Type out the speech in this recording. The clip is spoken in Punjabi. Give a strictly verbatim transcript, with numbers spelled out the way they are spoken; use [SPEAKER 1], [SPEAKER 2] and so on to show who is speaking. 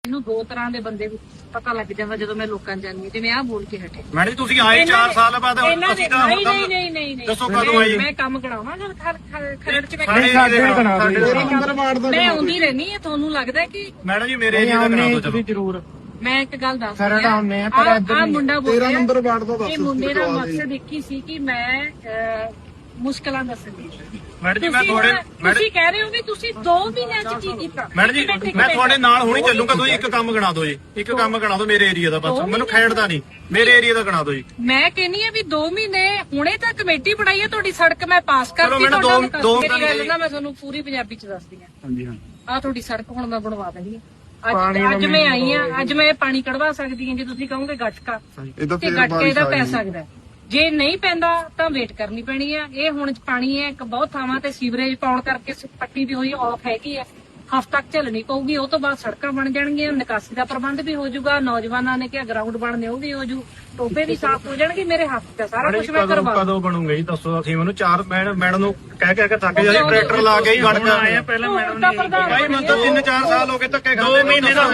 [SPEAKER 1] ਮੈਨੂੰ ਦੋ ਤਰ੍ਹਾਂ ਦੇ ਬੰਦੇ ਪਤਾ ਲੱਗ ਜਾਂਦਾ ਜਦੋਂ ਮੈਂ ਲੋਕਾਂ ਜਾਣੀ ਜਿਵੇਂ ਆਹ ਬੋਲ ਕੇ ਹਟੇ।
[SPEAKER 2] ਮੈਡਮ ਜੀ ਤੁਸੀਂ ਆਏ ਚਾਰ ਸਾਲ ਬਾਅਦ ਅਸੀਂ ਤਾਂ
[SPEAKER 1] ਨਹੀਂ ਨਹੀਂ ਨਹੀਂ ਨਹੀਂ ਨਹੀਂ
[SPEAKER 2] ਦੱਸੋ ਕਦੋਂ ਆਏ?
[SPEAKER 1] ਮੈਂ ਕੰਮ ਕਰਾਉਣਾ ਜਦ ਖਰੜ ਚ ਮੈਂ
[SPEAKER 2] ਸਾਡੇ
[SPEAKER 1] ਮੈਂ ਆਉਂਦੀ ਰਹਿਣੀ ਹੈ। ਤੁਹਾਨੂੰ ਲੱਗਦਾ ਕਿ
[SPEAKER 2] ਮੈਡਮ ਜੀ ਮੇਰੇ ਏਰੀਆ ਦਾ ਕਰਾ ਦਿਓ ਚਲੋ
[SPEAKER 3] ਜ਼ਰੂਰ।
[SPEAKER 1] ਮੈਂ ਇੱਕ ਗੱਲ ਦੱਸ
[SPEAKER 3] ਖਰੜ ਆਉਂਦੇ ਆ ਪਰ ਇੱਧਰ
[SPEAKER 1] ਆ ਮੁੰਡਾ ਬੋਲ
[SPEAKER 3] ਤੇਰਾਂ ਨੰਬਰ ਵਾਰਡ ਦਾ ਦੱਸ।
[SPEAKER 1] ਇਹ ਮੁੰਡੇ ਦਾ ਮਕਸਦ ਇੱਕ ਹੀ ਸੀ ਕਿ ਮੈਂ ਮੁਸ਼ਕਲਾਂ ਦੱਸਣੀ।
[SPEAKER 2] ਮੈਡਮ ਜੀ ਮੈਂ ਤੁਹਾਡੇ
[SPEAKER 1] ਤੁਸੀਂ ਕਹਿ ਰਹੇ ਹੋ ਵੀ ਤੁਸੀਂ ਦੋ ਮਹੀਨਿਆਂ ਚ ਕੀ ਕੀਤਾ।
[SPEAKER 2] ਮੈਡਮ ਜੀ ਮੈਂ ਤੁਹਾਡੇ ਨਾਲ ਹੁਣੀ ਚੱਲੂਗਾ। ਤੁਸੀਂ ਇੱਕ ਕੰਮ ਗਣਾ ਦਿਓ ਜੀ, ਇੱਕ ਕੰਮ ਗਣਾ ਦਿਓ ਮੇਰੇ ਏਰੀਆ ਦਾ। ਬਸ ਮੈਨੂੰ ਖੇਡਦਾ ਨਹੀਂ, ਮੇਰੇ ਏਰੀਆ ਦਾ ਗਣਾ ਦਿਓ ਜੀ।
[SPEAKER 1] ਮੈਂ ਕਹਿੰਨੀ ਆ ਵੀ ਦੋ ਮਹੀਨੇ ਹੁਣੇ ਤਾਂ ਕਮੇਟੀ ਬਣਾਈ ਹੈ ਤੁਹਾਡੀ ਸੜਕ ਮੈਂ ਪਾਸ ਕਰਤੀ।
[SPEAKER 2] ਮੈਨੂੰ ਦੋ ਦੋ
[SPEAKER 1] ਮੇਰੀ ਗੱਲ ਨਾ ਮੈਂ ਤੁਹਾਨੂੰ ਪੂਰੀ ਪੰਜਾਬੀ ਚ ਦੱਸਦੀ ਆ।
[SPEAKER 2] ਹਾਂਜੀ ਹਾਂ
[SPEAKER 1] ਆ ਤੁਹਾਡੀ ਸੜਕ ਹੁਣ ਮੈਂ ਬਣਵਾ ਦੇਣੀ ਆ। ਅੱਜ ਅੱਜ ਮੈਂ ਆਈ ਆ, ਅੱਜ ਮੈਂ ਪਾਣੀ ਕਢਵਾ ਸਕਦੀ ਹਾਂ ਜੇ ਤੁਸੀਂ ਕਹੋਗੇ ਗਟਕਾ ਤੇ ਗਟਕੇ ਦਾ ਪੈ ਸਕਦਾ। ਜੇ ਨਹੀਂ ਪੈਂਦਾ ਤਾਂ ਵੇਟ ਕਰਨੀ ਪੈਣੀ ਆ। ਇਹ ਹੁਣ ਪਾਣੀ ਹੈ ਇੱਕ ਬਹੁਤ ਥਾਵਾਂ ਤੇ ਸੀਵਰੇਜ ਪਾਉਣ ਕਰਕੇ ਪੱਟੀ ਵੀ ਹੋਈ ਆਫ ਹੈਗੀ ਆ। ਹਫ਼ਤਾ ਤੱਕ ਝੱਲਣੀ ਪਊਗੀ। ਉਹ ਤੋਂ ਬਾਅਦ ਸੜਕਾਂ ਬਣ ਜਾਣਗੀਆਂ, ਨਿਕਾਸੀ ਦਾ ਪ੍ਰਬੰਧ ਵੀ ਹੋ ਜਾਊਗਾ। ਨੌਜਵਾਨਾਂ ਨੇ ਕਿਹਾ ਗਰਾਊਂਡ ਬਣਨੇ ਉਹ ਵੀ ਹੋ ਜੂ, ਟੋਬੇ ਵੀ ਸਾਫ਼ ਹੋ ਜਾਣਗੇ। ਮੇਰੇ ਹੱਥ ਤੇ ਸਾਰਾ ਕੁਝ ਮੈਂ ਕਰਵਾ।
[SPEAKER 2] ਕਦੋਂ ਬਣੂਗਾ ਜੀ ਦੱਸੋ? ਅਸੀਂ ਮੈਨੂੰ ਚਾਰ ਮੈਡਮ ਨੂੰ ਕਹਿ ਕਹਿ ਕੇ ਥੱਕ ਜਾਂਦੇ। ਟਰੈਕਟਰ ਲਾ ਕੇ ਹੀ ਗੜਕਾ ਆਏ ਪਹਿਲਾਂ ਮੈਡਮ ਨੇ। ਭਾਈ ਮੈਨੂੰ ਤਾਂ ਤਿੰਨ ਚਾਰ ਸਾਲ ਹੋ ਗਏ ਧੱਕੇ ਖਾਂਦੇ। ਦੋ ਮਹੀਨੇ ਦਾ